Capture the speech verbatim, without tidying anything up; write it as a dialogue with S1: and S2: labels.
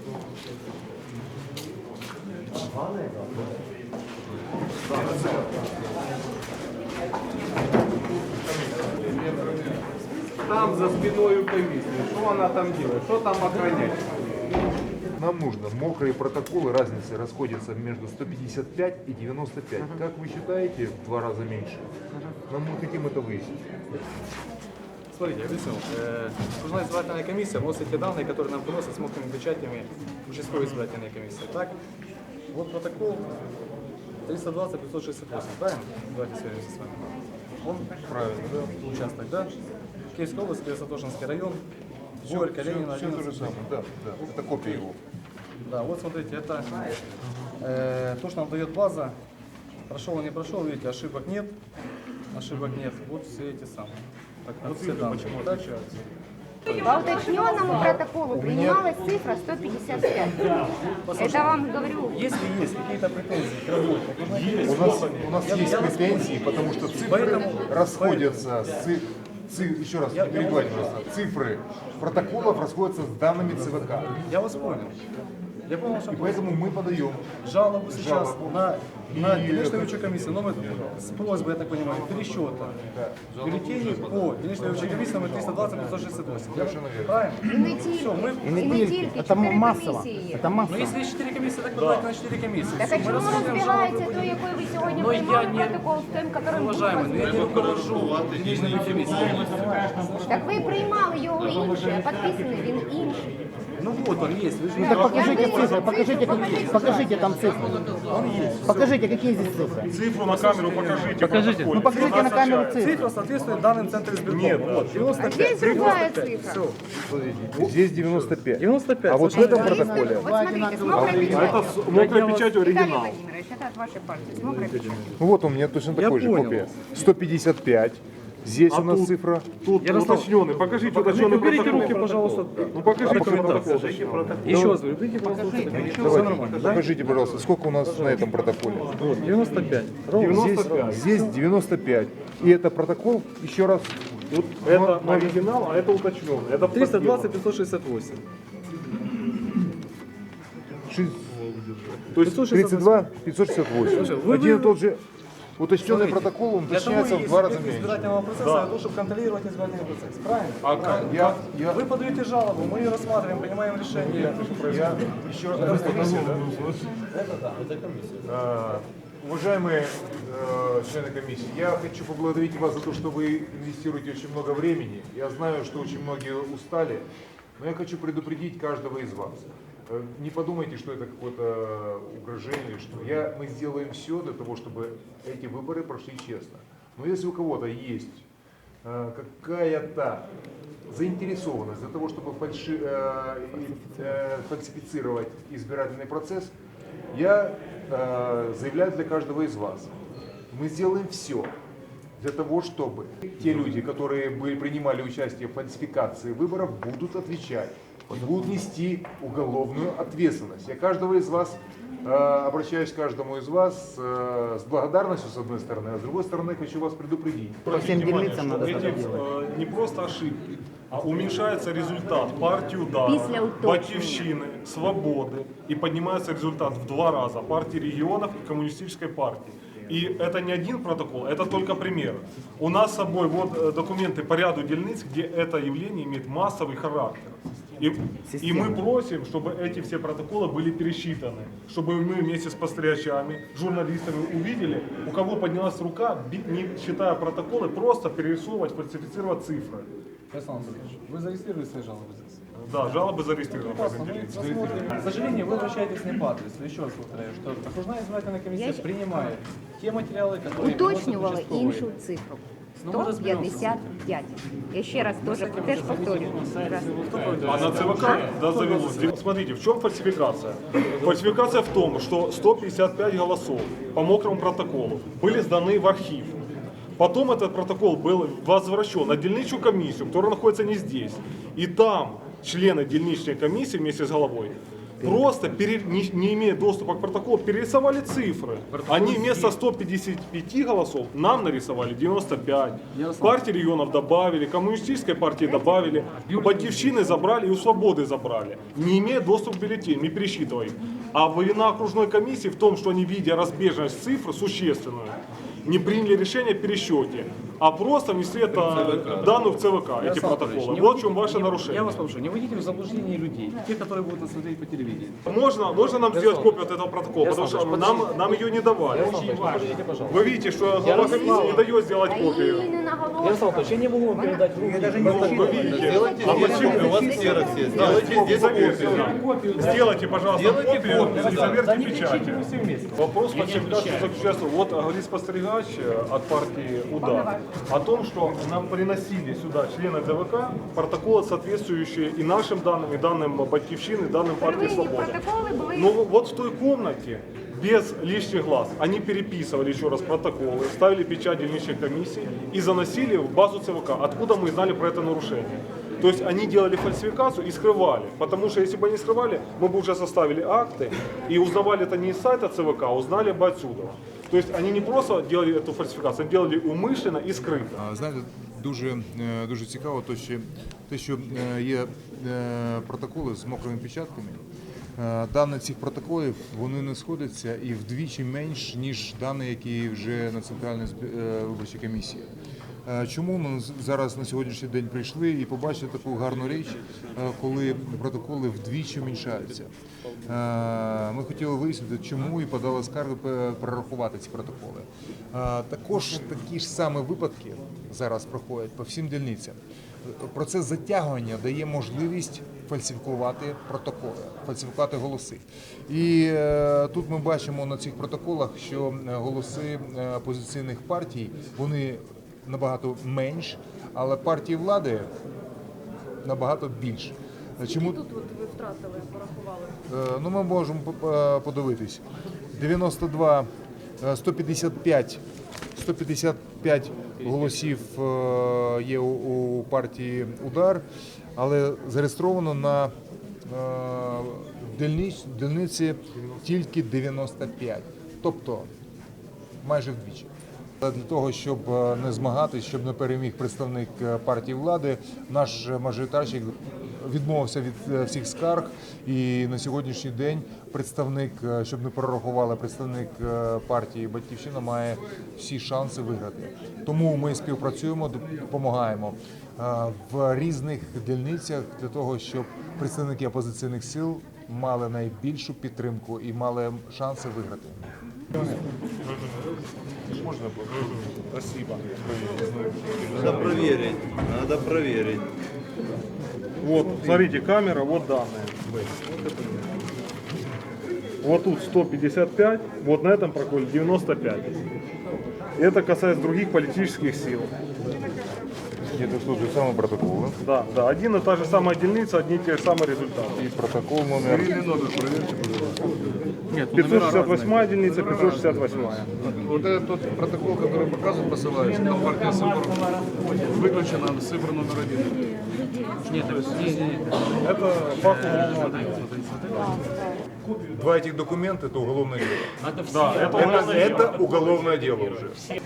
S1: Там за спиной у комиссии. Что она там делает? Что там охранять?
S2: Нам нужно мокрые протоколы, разница расходится между сто пятьдесят пять и девяносто пять. Uh-huh. Как вы считаете, в два раза меньше? Uh-huh. Но мы хотим это выяснить.
S3: Смотрите, объясню. Окружная избирательная комиссия вносит те данные, которые нам приносят с мокрыми печатями участковой избирательной комиссии. Так, вот протокол триста двадцать пятьсот шестьдесят восемь, правильно? Давайте сверимся с вами. Он правильно, да? Участок, да? Киевская область, Святошинский район, Горько, Ленина,
S2: все то же самое, да, да, это копия его.
S3: Да, вот смотрите, это э, то, что нам дает база. Прошел, не прошел, видите, ошибок нет, ошибок нет. Вот все эти самые. Так, вот все данные. Почему отличаются?
S4: По уточненному протоколу принималась цифра сто пятьдесят пять. Это вам говорю.
S3: Если есть какие-то претензии к работе,
S2: есть. У нас, у нас есть претензии, потому что цифры
S3: Поэтому,
S2: расходятся с циф... Циф... Еще раз, не перебивайте, пожалуйста. Цифры протоколов расходятся с данными ЦВК.
S3: Я вас понял. Я понял, что
S2: И поэтому мы подаем
S3: жалобу сейчас
S2: жалобу.
S3: на, на
S2: И-
S3: делегацию выборчей комиссии номер с просьбой, я так понимаю, пересчета бюллетеней по делегации выборчей комиссии номер триста двадцать пятьсот шестьдесят восемь.
S2: Совершенно верно.
S3: Правильно?
S4: І не тільки,
S3: Все, мы...
S4: і не тільки, чотири
S5: массово.
S4: комісії є.
S5: Это массово.
S3: Ну, если есть четыре комиссии, так давайте на четыре комиссии.
S4: Так а
S3: Мы
S4: чому
S3: рассмотрим
S4: розбігається
S3: жалобы.
S4: той, який ви сьогодні
S3: Но я
S4: приймали
S3: не-
S4: протокол з тим, яким був
S3: Уважаемый, но я не
S4: розбіганий?
S3: руковожу делегацией комиссии.
S4: Так ви приймали його інший, а підписаний він інший.
S3: Ну вот он есть. Вы же
S5: Ну так
S3: видите,
S5: покажите
S4: Я
S5: цифры,
S4: вижу,
S5: покажите,
S4: покажите,
S5: покажите там цифры. Покажите, какие здесь цифры.
S6: Цифру на камеру покажите.
S5: Покажите. Ну покажите на камеру цифры.
S3: цифра соответствует данным центра избиркома.
S6: Нет,
S3: вот, девяносто
S4: А
S3: пять.
S4: здесь другая цифра.
S3: Все.
S2: Смотрите, здесь девяносто пять.
S3: девяносто пять.
S2: А вот в этом протоколе
S4: Вот смотрите, с мокрой
S6: А
S4: печатью.
S6: это с мокрой печатью
S4: Виталий
S6: оригинал.
S4: Владимирович, это от вашей партии, с мокрой печатью.
S2: Ну вот у меня точно такой же
S3: понял.
S2: копия. сто пятьдесят пять. Здесь
S6: А
S2: у нас
S6: тут?
S2: цифра.
S6: Тут
S3: Ярослав,
S6: уточненный. Покажите уточненный
S3: уберите
S6: протокол.
S3: руки, пожалуйста.
S6: Ну покажите протокол.
S3: Еще раз говорю, уберите, пожалуйста. Все нормально, да?
S2: Покажите, пожалуйста, сколько у нас на этом протоколе.
S3: Вот, девяносто пять.
S2: Здесь, здесь девяносто пять. И это протокол, еще раз,
S6: Вот это оригинал, а это уточненный. Это
S3: триста двадцать пятьсот шестьдесят восемь.
S2: шесть-
S6: То есть
S2: тридцать два пятьсот шестьдесят восемь.
S3: вы-
S2: Один и
S3: вы-
S2: тот же уточненный протокол, он
S3: Для того
S2: уточняется
S3: и
S2: в
S3: есть
S2: два раза
S3: субъект
S2: меньше.
S3: избирательного процесса, для того, чтобы контролировать избирательный процесс. Правильно?
S6: А как?
S2: Я, я,
S3: Вы подаете жалобу, мы ее рассматриваем, принимаем решение.
S2: я еще раз. Э, Уважаемые э, члены комиссии, я хочу поблагодарить вас за то, что вы инвестируете очень много времени. Я знаю, что очень многие устали, но я хочу предупредить каждого из вас. Э, Не подумайте, что это какое-то угрожение, что я, мы сделаем все для того, чтобы эти выборы прошли честно. Но если у кого-то есть э, какая-то заинтересованность для того, чтобы фальши- э, э, фальсифицировать избирательный процесс, я э, заявляю для каждого из вас, мы сделаем все для того, чтобы те люди, которые были, принимали участие в фальсификации выборов, будут отвечать и будут нести уголовную ответственность. Я каждого из вас, э, обращаюсь к каждому из вас э, с благодарностью с одной стороны, а с другой стороны хочу вас предупредить.
S5: По всем
S6: Внимание,
S5: дельницам
S6: что
S5: надо
S6: эти,
S5: это делать.
S6: э, не просто ошибки, а уменьшается результат партии удара,
S4: Після уточнення.
S6: Батьківщины, Свободы, и поднимается результат в два раза партии регионов и коммунистической партии. И это не один протокол, это только пример. У нас с собой вот э, документы по ряду дельниц, где это явление имеет массовый характер. И, и мы просим, чтобы эти все протоколы были пересчитаны, чтобы мы вместе с пострячами, журналистами увидели, у кого поднялась рука, би- не считая протоколы, просто перерисовывать, фальсифицировать цифры.
S3: Александр Анатольевич, вы зарегистрировали свои жалобы здесь?
S6: Да, жалобы зарегистрированы.
S3: Прекрасно, мы посмотрим. К сожалению, вы обращаетесь не по адресу. Еще раз повторяю, что окружная избирательная комиссия
S4: Я ще-
S3: принимает те материалы, которые
S4: Уточнювали
S3: вносят участковые.
S4: іншу цифру.
S3: Ну, ми
S4: сто п'ятдесят п'ять. Я ще раз теж, теж повторюю. Раз.
S6: А на ЦВК да, завелось. Смотрите, в чем фальсификация? Фальсификация в том, что сто пятьдесят пять голосов по мокрому протоколу были сданы в архив. Потом этот протокол был возвращен на дельничную комиссию, которая находится не здесь. И там члены дельничной комиссии вместе с головой просто, пере- не, не имея доступа к протоколу, перерисовали цифры. Они вместо ста пятидесяти пяти голосов нам нарисовали девяносто пять. Партии регионов добавили, коммунистической партии добавили, у Батьковщины забрали и у Свободы забрали. Не имея доступа к бюллетеням, мы пересчитываем. А вина окружной комиссии в том, что они, видя разбежность цифр существенную, не приняли решение о пересчете, а просто внесли это данные в ЦВК, эти
S3: Ярослав
S6: протоколы.
S3: Анатольевич, не
S6: Вот в
S3: вводите-
S6: чем ваше
S3: не-
S6: нарушение.
S3: Я вас прошу, не вводите в заблуждение людей, тех, которые будут нас смотреть по телевидению.
S6: Можно, можно нам сделать копию от этого протокола, потому что
S3: Ярослав
S6: нам, нам ее не давали.
S3: Подождите, пожалуйста.
S6: Вы видите, что глава комиссии не дает сделать копию.
S4: Аїни наголошую.
S3: Ярослав Анатольевич, я не могу вам передать в руки.
S6: Вы видите? А почему? У вас ксерокс есть. Сделайте, пожалуйста, копию и заверьте печати. Вопрос фальсификации заключается, вот говорит спостерегач от партии «Удар» о том, что нам приносили сюда члены ДВК протоколы, соответствующие и нашим данным, и данным Батьковщины, и данным партии
S4: Первинні
S6: «Свобода».
S4: протоколи були.
S6: Но вот в той комнате, без лишних глаз, они переписывали еще раз протоколы, ставили печать дільничной комиссии и заносили в базу ЦВК. Откуда мы знали про это нарушение? То есть они делали фальсификацию и скрывали. Потому что если бы они скрывали, мы бы уже составили акты и узнавали это не из сайта ЦВК, а узнали бы отсюда. То есть они не просто делали эту фальсификацию, они делали умышленно и скрыто.
S2: А, знаєте, дуже, е, дуже цікаво, то, що, те, що е, є е, протоколи з мокрими печатками. Е, Дані цих протоколів вони не сходяться і вдвічі менш, ніж дані, які вже на Центральній зб- е, виборчій комісії. Е, Чому ми зараз на сьогоднішній день прийшли і побачили таку гарну річ, е, коли протоколи вдвічі уменьшаються? Е, Ми хотіли вияснити, чому і подали скаргу пе- перерахувати ці протоколи. Е, Також такі ж самі випадки зараз проходять по всім дільницям. Процес затягування дає можливість фальсифікувати протоколи, фальсифікувати голоси. І е, тут ми бачимо на цих протоколах, що е, голоси е, опозиційних партій, вони набагато менш, але партії влади набагато більше. Чому
S7: Тут от ви втратили, порахували.
S2: Е, Ну, ми можемо по- по- подивитись. дев'яносто два, е, сто п'ятдесят п'ять, сто п'ятдесят п'ять голосів е, є у, у партії «Удар», але зареєстровано на е, дільниць- дільниці тільки дев'яносто п'ять, тобто майже вдвічі. Для того, щоб е, не змагатись, щоб не переміг представник е, партії влади, наш мажоритарщик відмовився від е, всіх скарг, і на сьогоднішній день представник, е, щоб не перерахували, представник е, партії «Батьківщина» має всі шанси виграти. Тому ми співпрацюємо, допомагаємо е, в різних дільницях для того, щоб представники опозиційних сил мали найбільшу підтримку і мали шанси виграти. Можно было? Спасибо.
S8: Надо проверить, надо проверить.
S6: Вот, смотрите, камера, вот данные. Вот тут сто пятьдесят пять, вот на этом проколе девяносто пять. Это касается других политических сил.
S2: Это тот же самый протокол, да?
S6: Да, да, один и та же самая дельница, одни и те же самые результаты.
S2: И протокол номер...
S6: пятьсот шестьдесят восьмая дельница, пятьсот шестьдесят восьмая.
S9: Вот этот тот протокол, который показывает, посылается, там партия Сыбор выключена, а Сыбор номер один.
S6: Это факт уголовного дела.
S2: Два этих документа – это уголовное дело.
S6: Да, это
S2: Это,
S6: уголовное дело.
S2: это уголовное дело уже.